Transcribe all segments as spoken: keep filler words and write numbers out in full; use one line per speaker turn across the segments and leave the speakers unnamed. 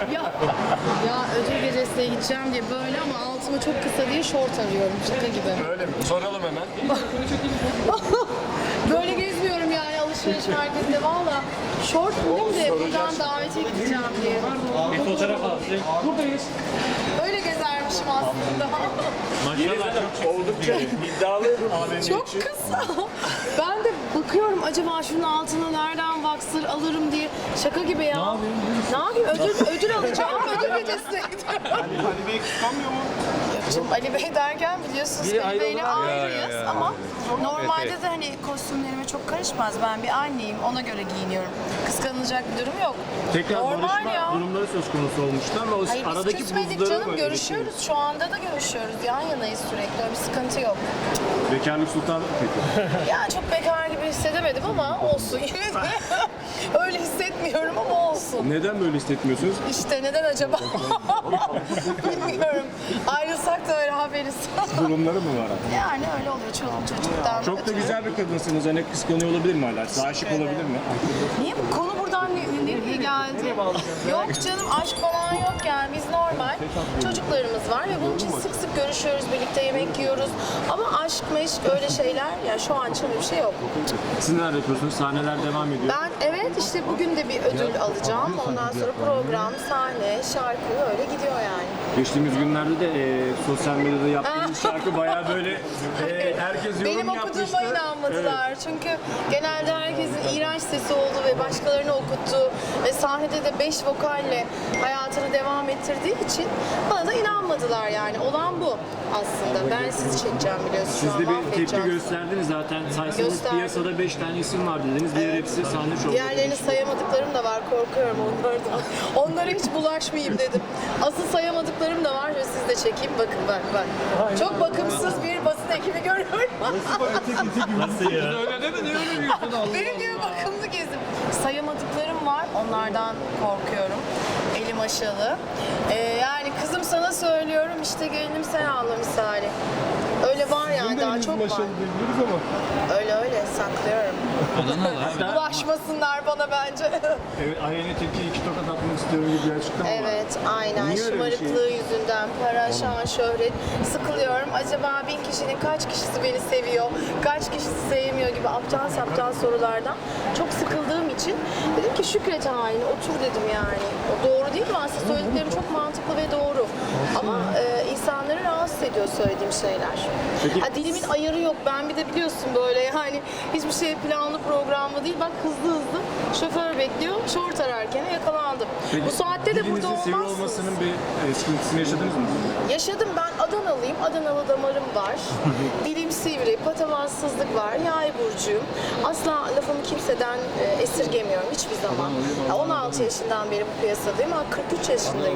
ya, ya ödül gecesine gideceğim diye böyle ama altımı çok kısa diye şort arıyorum şaka gibi.
Öyle mi? Soralım hemen.
Böyle gezmiyorum yani alışveriş merkezinde valla. Şort bulayım de buradan davete gideceğim diye.
Bir fotoğraf alsın. Buradayız.
Öyle gezermişim aslında.
Maşallah
Oldukça iddialı abi.
Çok kısa. Ben de bakıyorum acaba şunun altına nereden vaksır alırım diye. Şaka gibi ya. Ne yapayım? Ne yapayım? Ödül, ödül alacağım. Ödül gecesine gidiyorum.
Ali Bey kıskanmıyor mu?
Şimdi Ali Bey derken biliyorsunuz
Biri
Ali Bey'le
ayrı olan-
ayrıyız
Ya, ya, ya.
ama normalde
Evet,
de hani kostümlerime çok karışmaz. Ben bir anneyim, ona göre giyiniyorum. Kıskanılacak bir durum yok.
Tekrar
Normal
barışma
ya.
durumları söz konusu olmuştu ama o
Hayır biz
aradaki
küsmedik
buzları
canım,
mı
görüşüyoruz. Şu anda da görüşüyoruz. Yan yanayız sürekli, öyle bir sıkıntı yok.
eritmiş? Bekarlık sultanlık peki?
Yani çok bekar gibi hissedemedim ama olsun yine de. Öyle hissetmiyorum ama olsun.
Neden böyle hissetmiyorsunuz?
İşte neden acaba? Bilmiyorum. Ayrılsak da öyle haberiz.
Durumları mı var?
Yani öyle oluyor çoluk çocuktan.
Çok da
ötürü.
güzel bir kadınsınız. Hani kıskanıyor olabilir mi hala? Size aşık
ederim.
olabilir mi?
Niye bu konu buradan ne, nereye geldi? Yok canım aşk falan yok yani biz normal çocuklarımız var ve bunun için sık sık görüşüyoruz, birlikte yemek yiyoruz. Ama aşk meşk öyle şeyler ya şu an için öyle bir şey yok.
Siz neler yapıyorsunuz? Sahneler devam ediyor.
Ben evet işte bugün de bir ödül alacağım. Ondan sonra program, sahne, şarkı öyle gidiyor yani.
Geçtiğimiz günlerde de e, sosyal medyada yaptığınız şarkı bayağı böyle e, herkes yorum
Benim
yapmıştı.
okuduğuma inanmadılar. Çünkü genelde herkesin iğrenç sesi oldu ve başkalarını okuttu ve sahnede de beş vokalle hayatını devam ettirdiği için bana da inanmadılar yani. Olan bu aslında. Ben sizi çekeceğim biliyorsunuz.
Siz
Şu
de
an
bir tepki
mahvedeceğim.
gösterdiniz zaten. Saysanız
Gösterdim.
piyasada beş tane isim var dediniz. Diğer hepsi sahne şovu.
Diğerlerini sayamadıklarım da var. Korkuyorum onlardan. Onlara hiç bulaşmayayım dedim. Asıl sayamadıklarım da var ve siz de çekeyim. Bakın bak bak. Çok bakımsız bir basın ekibi görüyorum.
Nasıl ya?
Öyle deme, ne öyle diyorsun Allah.
Benim gibi bakımlı gezim. Sayamadıklarım var. Onlardan korkuyorum. Elim aşalı. Ee, yani kızım sana söylüyorum işte gelinim sen ağla misali. Öyle var yani daha çok var.
ama.
Öyle öyle saklıyorum. Bulaşmasınlar bana bence.
Evet, Ayhan'a tepki iki tokat atmak istiyorum gibi bir açıklama var.
Evet, aynen.
Niye öyle bir şey?
Şımarıklığı yüzünden para, şan, şöhret. Sıkılıyorum. Acaba bin kişinin kaç kişisi beni seviyor, kaç kişisi sevmiyor gibi aptal saptal sorulardan çok sıkıldığım için dedim ki Şükret haline otur dedim yani. O doğru değil mi? Aslında söylediklerim çok mantıklı ve doğru. Ama e, insanları rahatsız ediyor söylediğim şeyler.
Peki-
Ha, dilimin ayarı yok. Ben bir de biliyorsun böyle yani hiçbir şey planlı programlı değil. Bak hızlı hızlı şoför bekliyor. Şort ararken yakalandım.
Peki,
Bu saatte de burada
dilinizin sivri
olmazsınız.
olmasının bir e, sıkıntısını yaşadınız mı?
Yaşadım ben Adanalıyım. Adanalı damarım var. Dilim sivri, patavatsızlık var. Yay burcuyum. Asla lafımı kimseden e, esirgemiyorum hiçbir zaman. Ya, on altı yaşından beri bu piyasadayım ama kırk üç yaşındayım.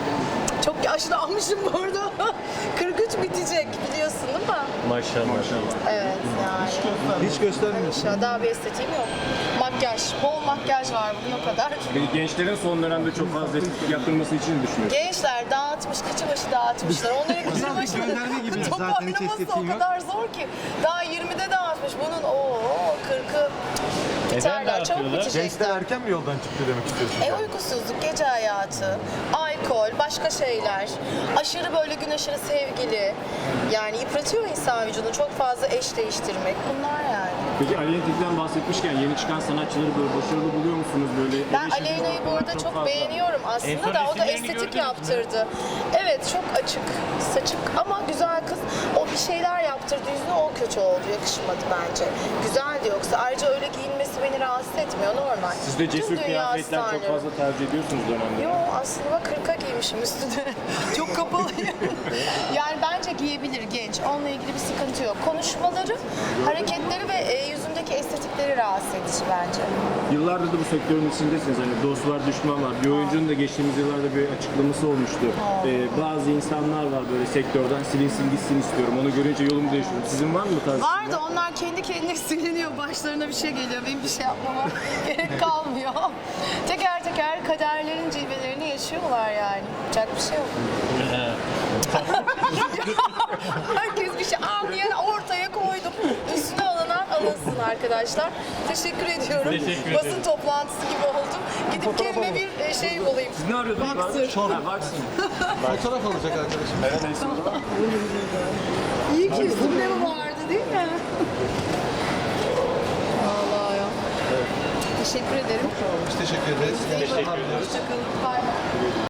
Çok yaşlanmışım bu arada. kırk üç bitecek biliyorsun değil mi?
Maşallah. Maşallah.
Evet yani.
Hiç göstermiyorsun.
Şu daha bir estetiğim yok. Makyaj, bol makyaj var bugün o kadar.
Peki gençlerin son dönemde çok fazla estetik yaptırılması için ne düşünüyorsunuz?
Gençler dağıtmış, kıçı başı dağıtmışlar. Onların kıçı
gönderme gibi
başı
zaten hiç
toparlaması
estetiğim
o
yok.
kadar zor ki. Daha yirmide dağıtmış. Bunun o kırkı biterler. Çok bitecek.
Gençler erken mi yoldan çıktı demek istiyorsun?
E uykusuzluk, gece hayatı, alkol, başka şeyler, aşırı böyle gün aşırı sevgili. Yani yıpratıyor insan vücudunu. Çok fazla eş değiştirmek. Bunlar yani.
Peki Aleyna'dan bahsetmişken yeni çıkan sanatçıları böyle başarılı buluyor musunuz böyle?
Ben
eleştiri
Aleyna'yı bu
olarak
arada çok,
fazla.
beğeniyorum
En
aslında
son
da o da
resimlerini
estetik
gördünüz mü?
yaptırdı. Evet çok açık, saçık ama güzel kız. O bir şeyler yaptırdı yüzüne o kötü oldu, yakışmadı bence. Güzeldi yoksa. Ayrıca öyle giyinmesi beni rahatsız etmiyor, normal.
Siz de cesur
Tüm dünya
kıyafetler çok
starları.
fazla tercih ediyorsunuz dönemde.
Yo aslında bak kırka giymişim üstüne. Çok kapalıyım. Yani bence giyebilir genç. Onunla ilgili bir sıkıntı yok. Konuşmaları, hareketleri ve e, yüzündeki estetikleri rahatsız edici bence.
Yıllardır da bu sektörün içindesiniz. Hani dost var, düşman var. Bir oyuncunun da geçtiğimiz yıllarda bir açıklaması olmuştu. Ee, bazı insanlar var böyle sektörden silinsin gitsin istiyorum. Onu görünce yolumu değiştiriyorum. Sizin var mı bu tarz?
Var da onlar kendi kendine siliniyor. Başlarına bir şey geliyor. Benim bir şey yapmama gerek kalmıyor. Teker teker kaderlerin cilvelerini yaşıyorlar yani. Yapacak bir şey yok. Herkes bir şey anlayan ortaya koydum. Üstüne alınan alınsın arkadaşlar. Teşekkür ediyorum.
Teşekkür
Basın
ederim.
toplantısı gibi oldum. Gidip kendime bir e, şey bulayım.
Ne arıyordunuz?
Boxer.
Ha, Boxer.
Fotoğraf alacak arkadaşım.
İyi ki üstümde mi vardı değil mi? Vallahi ya. Teşekkür ederim.
Biz teşekkür ederiz.
İyi bakın. Hoşçakalın. Bay bay.